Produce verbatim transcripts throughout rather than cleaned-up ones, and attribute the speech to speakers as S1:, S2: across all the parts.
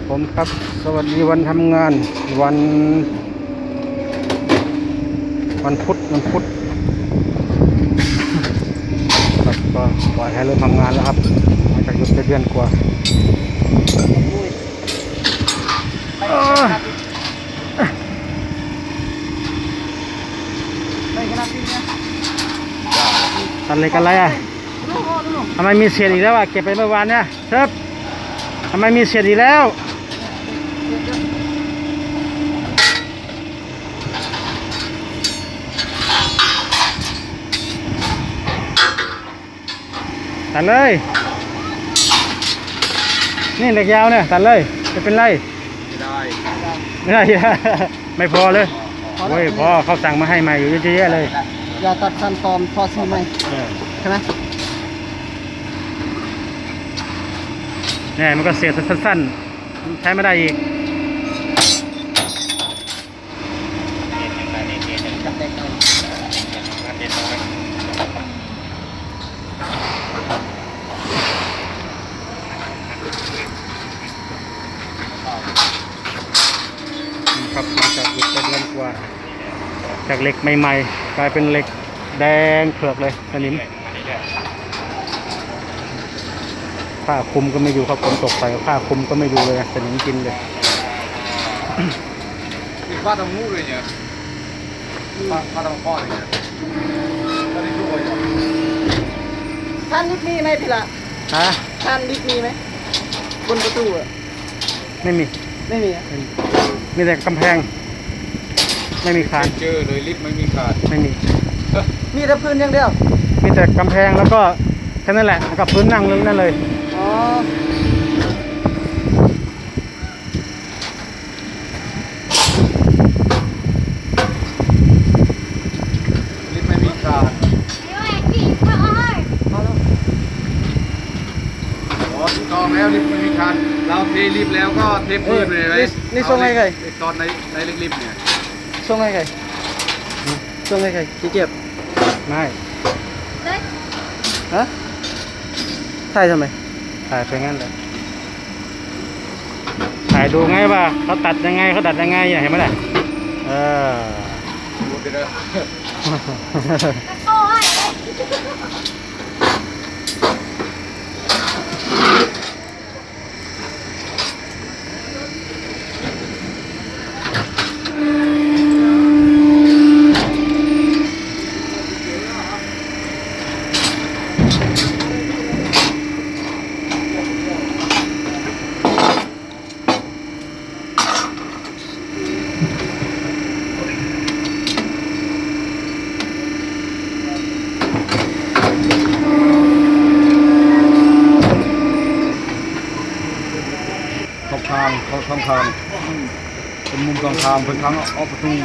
S1: ผมครับสวัสดีวันทำงานวันวันพุธวันพุธครับก็ปล่อยให้เริ่มทำงานแล้วครับหลังจากหยุดไปเดือนกว่าตัดเหล็กอะไรอ่ะทำไมมีเศษอีกแล้วอ่ะเก็บไปเมื่อวานเนี่ยเชิบทำไมมีเศษอีกแล้วตัดเลยนี่เหล็กยาวเนี่ยตัดเลยจะเป็นไรไม่ได้ไม่ได้ไม่พอเลยโอ้ยพอเขาสั่งมาให้ใหม่อยู่เยอะแยะเลย
S2: อย่าตัดสั้นตอมพอซื้อไหมใช่ไหม
S1: เนี่ยมันก็เสียสั้นๆใช้ไม่ได้อีกครับหลังจากหยุดไปเดือนกว่าจากเหล็กใหม่ๆกลายเป็นเหล็กแดงเผือกเลยสนิมผ้าคลุมก็ไม่อยู่ครับฝนตกใส่ผ้าคลุมก็ไม่ดูเลยสนิมกินเลย
S3: ผ้าทำมูเลยเนี่ยผ้าผ้าทำข้อเลยเนี่ยก็ได้ด้วย
S2: ท่านลิฟมีไหมพี่ละ
S1: ฮะ
S2: ท่านลิฟมีไหมบนประตูอ่ะ
S1: ไม่มี
S2: ไม่มีอ่ะ
S1: มีแต่กำแพงไม่มีคาน
S3: เจอเลยลิฟต์ไม่มีคาน
S1: ไม่มี
S2: มีแต่พื้นอย่างเดียว
S1: มีแต่กำแพงแล้วก็แค่นั้นแหละแล้วก็พื้นนั่งนึงนั่นเลย
S2: อ๋อ
S3: ลิฟต์ไม่มีคานอ๋อถูกต้องแล้วลิฟต์ไม่มีคานเราเทลิฟต์แล้วก็เทพื้นเลยไหม
S2: นี่ส่งให้ใคร
S3: ตอนในในลิฟต์เนี่ย
S2: ส่งให้ใครส่งให้ใครขี้เกียจ
S1: ไม่
S2: ฮะถ่ายทำไม
S1: ถ่ายไปงั้นเลยถ่ายดูไงว่าเขาตัดยังไงเขาตัดยังไงเห็นไหมล่ะเออ
S3: ดูไปเลยทางเขาทางทางเป็นมุมกลางทางเป็นทางออกประตู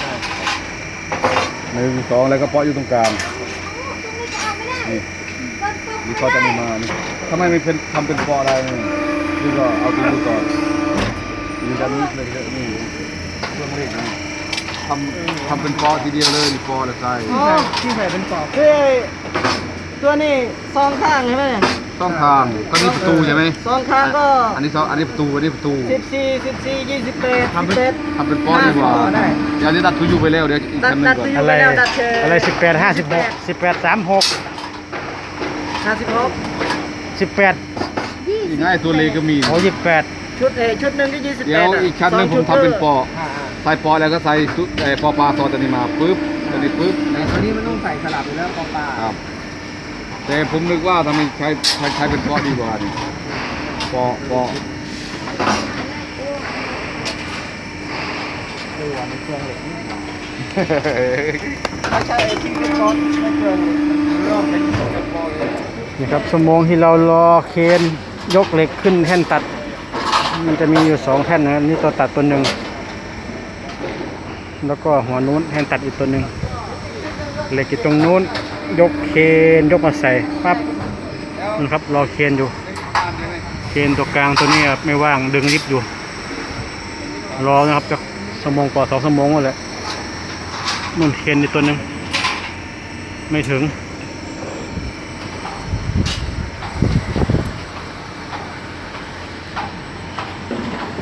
S3: หนึ่งสองแล้วก็เปาะอยู่ตรงกลางนี่นี่เขาจะมีมานี่ทำไมไม่เป็นทำเป็นเปาะอะไรนี่ก็เอาตัวดูก่อนนี่ด้านนี้เลยนี่เครื่องเล็กนี่ทำทำเป็นเปาะทีเดียวเลยนี่เปาะละใส่
S2: ที่ใส่เป็นปอกเฮ้ยตัวนี้ซองข้างใช่ไหมเนี่ย
S3: สองทางก็นี่ประตูใช่ไหม
S2: สองข้างก็
S3: อันนี้สองอันนี้ประตูอันนี้ประตู
S2: สิบสี่สิบสี่ยี่สิบแปด
S3: ทำเป็นทำเป็นป้อนดีกว่าเดี๋ยวนี้ตัดทุยูไปแล้วเดี๋ยวอีกคำหนึ่งก่อน
S1: อะไรอะไรสิบแปดห้าสิบหกสิบแปดสามหก
S2: ห้าสิบหก
S1: สิบแปด
S3: อีกง่ายตัวเลก็มี
S1: โอ้ยี่สิบแปด
S2: ชุดเอชุดหนึ่งก็ยี่สิบแปด
S3: เดี๋ยวอีกชั้นหนึ่งผมทำเป็นปอใส่ปอแล้วก็ใส่ชุดเอปอปลาซอตัวนี้มาปึ๊บตัวนี้ปึ๊บ
S2: ตัวนี้มันต้องใส่สลับไปแล้วปอปลา
S3: ครับแต่ผมนึกว่าทำไมใช้ใช้ใช้เป็นปอดีกว่านี่ปอปอ
S2: ตัวมันเครื่องเหล็กไม่ใช่ไอ้ที่เป็นก้อนไม่เครื่องเริ่มเป็นปอเลย
S1: นี่ครับชั่วโมงที่เรารอเคนยกเหล็กขึ้นแท่นตัดมันจะมีอยู่สองแท่นนะนี่ตัวตัดตัวหนึ่งแล้วก็หัวนู้นแท่นตัดอีกตัวหนึ่งเหล็กอยู่ตรงนู้นยกเคนยกมาใส่ปั๊บนะครับรอเคนอยู่เคนตัวกลางตัวนี้ไม่ว่างดึงลิฟต์อยู่รอนะครับจะชั่วโมงกว่าสองชั่วโมงแล้วแหละนู่นเคนอีกตัวหนึ่งไม่ถึง
S2: เ